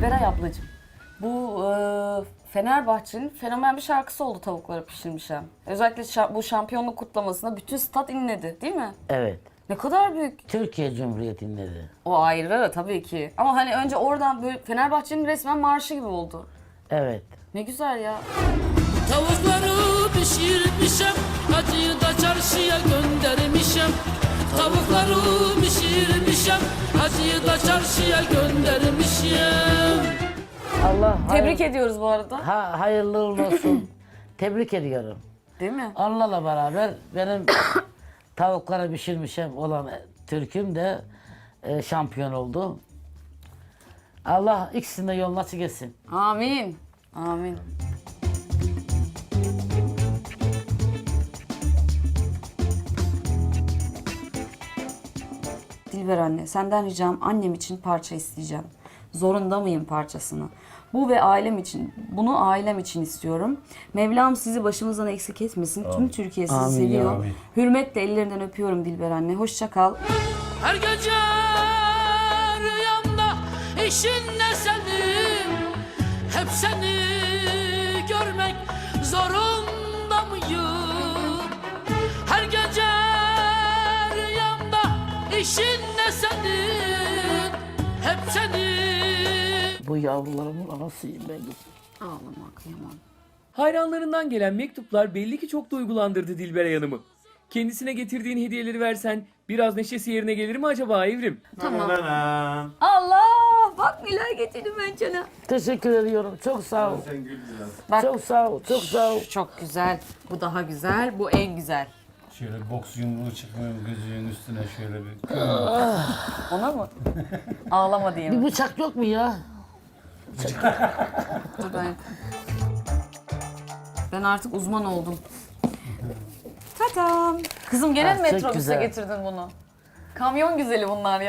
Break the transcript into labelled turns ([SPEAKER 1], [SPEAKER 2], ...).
[SPEAKER 1] Dilberay ablacığım, bu Fenerbahçe'nin fenomen bir şarkısı oldu Tavukları Pişirmişem. Özellikle bu şampiyonluk kutlamasında bütün stat inledi değil mi?
[SPEAKER 2] Evet.
[SPEAKER 1] Ne kadar büyük.
[SPEAKER 2] Türkiye Cumhuriyeti'nin dedi.
[SPEAKER 1] O ayrı tabii ki. Ama hani önce oradan böyle Fenerbahçe'nin resmen marşı gibi oldu.
[SPEAKER 2] Evet.
[SPEAKER 1] Ne güzel ya.
[SPEAKER 3] Tavukları pişirmişem, hacıyı da çarşıya göndermişem. Tavukları pişirmişem, hacıyı da çarşıya göndermişem.
[SPEAKER 2] Allah
[SPEAKER 1] Tebrik ediyoruz bu arada.
[SPEAKER 2] hayırlı uğurlu olsun. Tebrik ediyorum.
[SPEAKER 1] Değil mi?
[SPEAKER 2] Onlarla beraber benim tavuklara pişirmişim olan Türk'üm de şampiyon oldu. Allah ikisini de yolunu açık etsin.
[SPEAKER 1] Amin. Amin. Dilber anne, senden ricam annem için parça isteyeceğim. Zorunda mıyım parçasını? Bu ve ailem için, bunu ailem için istiyorum. Mevlam sizi başımızdan eksik etmesin. Tüm Türkiye sizi
[SPEAKER 2] Amin,
[SPEAKER 1] seviyor.
[SPEAKER 2] amin.
[SPEAKER 1] Hürmetle ellerinden öpüyorum Dilber anne. Hoşça kal.
[SPEAKER 3] Her gece rüyamda eşin ne senin? Hep seni görmek zorunda mıyım? Her gece rüyamda eşin ne senin? Hep seni.
[SPEAKER 2] Bu yavrularımın anasıyım ben.
[SPEAKER 1] Ağlama kıyamam.
[SPEAKER 4] Hayranlarından gelen mektuplar belli ki çok duygulandırdı Dilberay Hanım'ı. Kendisine getirdiğin hediyeleri versen biraz neşesi yerine gelir mi acaba Evrim?
[SPEAKER 1] Tamam. Allah! Bak neler getirdim ben sana.
[SPEAKER 2] Teşekkür ediyorum. Çok sağ ol.
[SPEAKER 5] Sen gül biraz.
[SPEAKER 1] Bak.
[SPEAKER 2] Çok sağ ol. Çok sağ ol.
[SPEAKER 1] Çok güzel. Bu daha güzel. Bu en güzel.
[SPEAKER 5] Şöyle boks yumruğu çıkmıyor gözünün üstüne şöyle bir.
[SPEAKER 1] Ona mı? Ağlama diye
[SPEAKER 2] Bir
[SPEAKER 1] mi?
[SPEAKER 2] bıçak yok mu ya?
[SPEAKER 1] Dur ben artık uzman oldum. Tatam. Kızım gene mi
[SPEAKER 2] Ah, çok
[SPEAKER 1] metrobüse
[SPEAKER 2] güzel.
[SPEAKER 1] getirdin bunu? Kamyon güzeli bunlar ya.